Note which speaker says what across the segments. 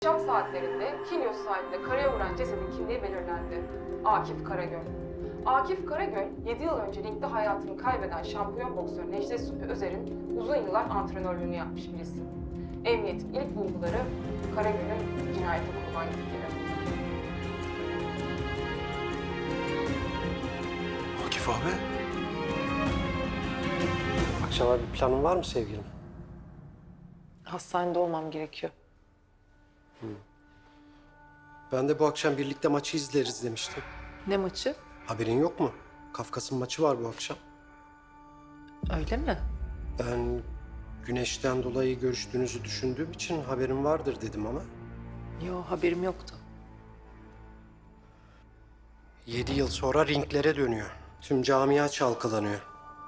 Speaker 1: Akşam saatlerinde Kilyos sahilde karaya vuran cesedin kimliği belirlendi. Akif Karagöl. Akif Karagöl, 7 yıl önce ringde hayatını kaybeden şampiyon boksör Necdet Süpü Özer'in uzun yıllar antrenörlüğünü yapmış bir isim. Emniyetin ilk bulguları Karagöl'ün cinayete kurban gittiği.
Speaker 2: Akif abi.
Speaker 3: Akşama bir planın var mı sevgilim?
Speaker 4: Hastanede olmam gerekiyor.
Speaker 3: Ben de bu akşam birlikte maçı izleriz demiştim.
Speaker 4: Ne maçı?
Speaker 3: Haberin yok mu? Kafkas'ın maçı var bu akşam.
Speaker 4: Öyle mi?
Speaker 3: Ben güneşten dolayı görüştüğünüzü düşündüğüm için haberim vardır dedim ama.
Speaker 4: Yo, haberim yoktu.
Speaker 3: 7 yıl sonra ringlere dönüyor. Tüm camia çalkalanıyor.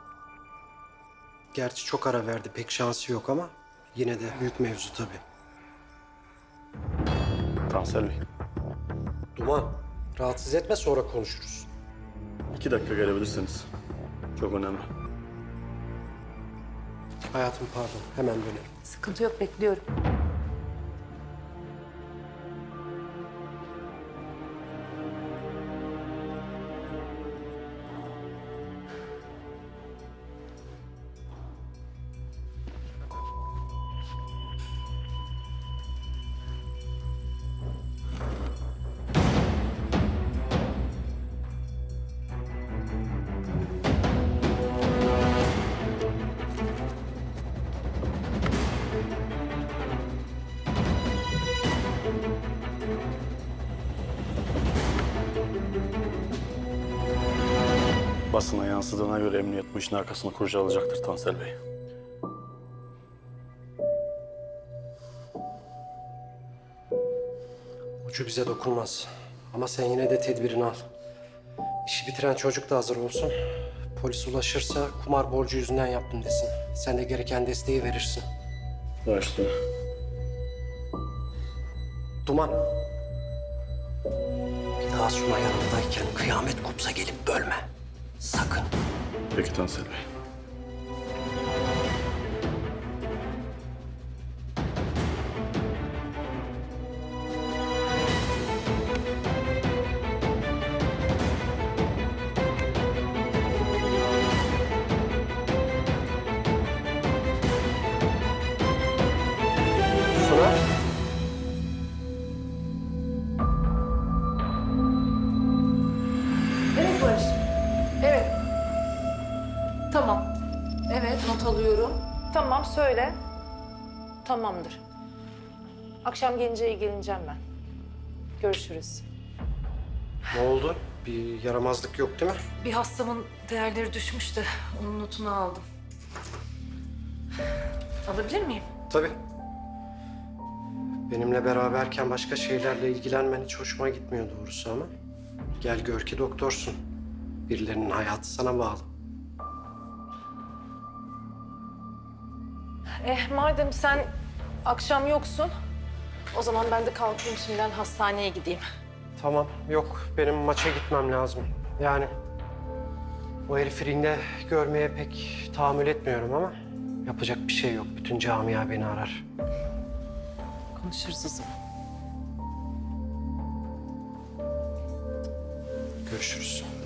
Speaker 3: Gerçi çok ara verdi, pek şansı yok ama yine de büyük mevzu tabii.
Speaker 2: Tansel Bey.
Speaker 3: Duman, rahatsız etme, sonra konuşuruz.
Speaker 2: 2 dakika gelebilirsiniz. Çok önemli.
Speaker 3: Hayatım pardon, hemen dönerim.
Speaker 4: Sıkıntı yok, bekliyorum.
Speaker 2: Basına yansıdığına göre emniyet bu işin arkasını kurcalayacaktır Tansel Bey.
Speaker 3: Ucu bize dokunmaz. Ama sen yine de tedbirini al. İşi bitiren çocuk da hazır olsun. Polis ulaşırsa kumar borcu yüzünden yaptım desin. Sen de gereken desteği verirsin.
Speaker 2: Başlıyor.
Speaker 3: Duman. Bir daha Suna yanındayken kıyamet kopsa gelip bölme. Sakın.
Speaker 2: Peki Tansel Bey.
Speaker 3: Suna.
Speaker 4: Evet Barış. Evet. Tamam. Evet, not alıyorum. Tamam, söyle. Tamamdır. Akşam gelince ilgileneceğim ben. Görüşürüz.
Speaker 3: Ne oldu? Bir yaramazlık yok değil mi?
Speaker 4: Bir hastamın değerleri düşmüştü. Onun notunu aldım. Alabilir miyim?
Speaker 3: Tabii. Benimle beraberken başka şeylerle ilgilenmen hiç hoşuma gitmiyor doğrusu ama. Gel gör ki doktorsun. Birilerinin hayatı sana bağlı.
Speaker 4: Madem sen akşam yoksun, o zaman ben de kalkayım şimdiden hastaneye gideyim.
Speaker 3: Tamam, yok. Benim maça gitmem lazım. Yani o herifi ringde görmeye pek tahammül etmiyorum ama yapacak bir şey yok. Bütün camia beni arar.
Speaker 4: Konuşuruz o zaman.
Speaker 3: Görüşürüz.